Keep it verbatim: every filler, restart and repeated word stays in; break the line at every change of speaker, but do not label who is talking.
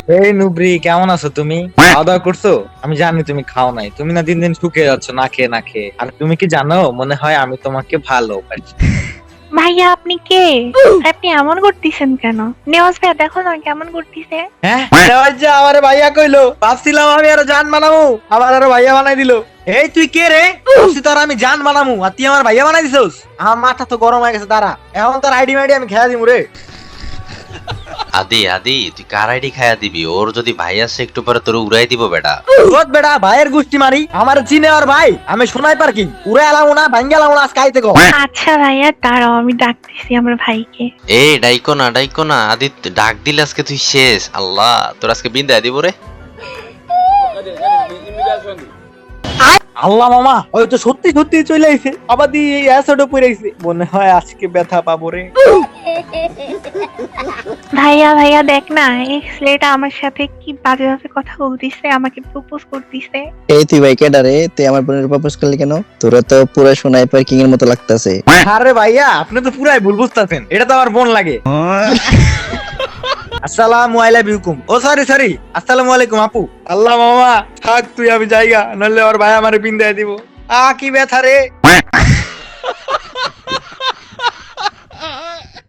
এই নুব্রি, কেমন আছো তুমি? খাওয়া দাওয়া করছো? আমি জানি তুমি খাও নাই। তুমি না দিন দিন শুকিয়ে যাচ্ছ না খেয়ে না খেয়ে। আর তুমি কি জানো, মনে হয় আমি তোমাকে ভালোবাসি।
ভাইয়া আপনি কে? আপনি এমন করতেছেন কেন? নেওয়াজ ভাইয়া দেখো না কেমন করতেছে।
হ্যাঁ, নেওয়াজ যা আমারে ভাইয়া কইলো। ভাবছিলাম আমি আরো জান বানামু, আবার আরো ভাইয়া বানাই দিল। এই তুই কে রে? ভাবছি তোর আমি জান বানামু, আর তুই আমার ভাইয়া বানাই দিছস। আমার মাথা তো গরম হয়ে গেছে। দাঁড়া, এখন তোর আইডি মাইডি আমি খেয়া দিমু রে।
আদি আদি তুই কার আইডি খায়া দিবি? ওর যদি ভাই আসে একটু পরে তোর উড়াই দিব বেটা।
রোজ বেটা ভাইয়ের গুষ্টি মারি, আমার চিনে আর ভাই। আমি শোনাই পার কি উড়ে এলাম না, ভাঙ্গে এলাম না, আজকে আইতে কো।
আচ্ছা ভাইয়া দাঁড়াও, আমি ডাকতেছি আমার ভাইকে।
এ ডাইকো না ডাইকো না আদি, ডাক দিলে আজকে তুই শেষ। আল্লাহ তোর আজকে বিন্দায় দিব রে।
আল্লাহ মামা, ওই তো সত্যি সত্যি চলে আইছে। আবার দিয়ে এই অ্যাসিডও পড়ে আইছে। মনে হয় আজকে ব্যথা পাবো রে।
ভাইয়া ভাইয়া দেখ না, এই ছেলেটা আমার সাথে কি বাজে বাজে কথা বলতিছে, আমাকে প্রপোজ করতিছে।
এই তুই ভাই কেডা রে? তুই আমার বোনের প্রপোজ করলি কেন? তোরা তো পুরো স্নাইপার কিং এর মতো লাগতাছে।
আরে ভাইয়া, আপনি তো পুরাই ভুল বুঝতাছেন। এটা তো আমার বোন লাগে। আসসালামু আলাইকুম। ও সরি সরি, আসসালামু আলাইকুম আপু। আল্লাহ মামা থাক তুই, আমি জায়গা নলে ওর ভাই আমারে বিন্দায় দিব। আ কি ব্যথা রে।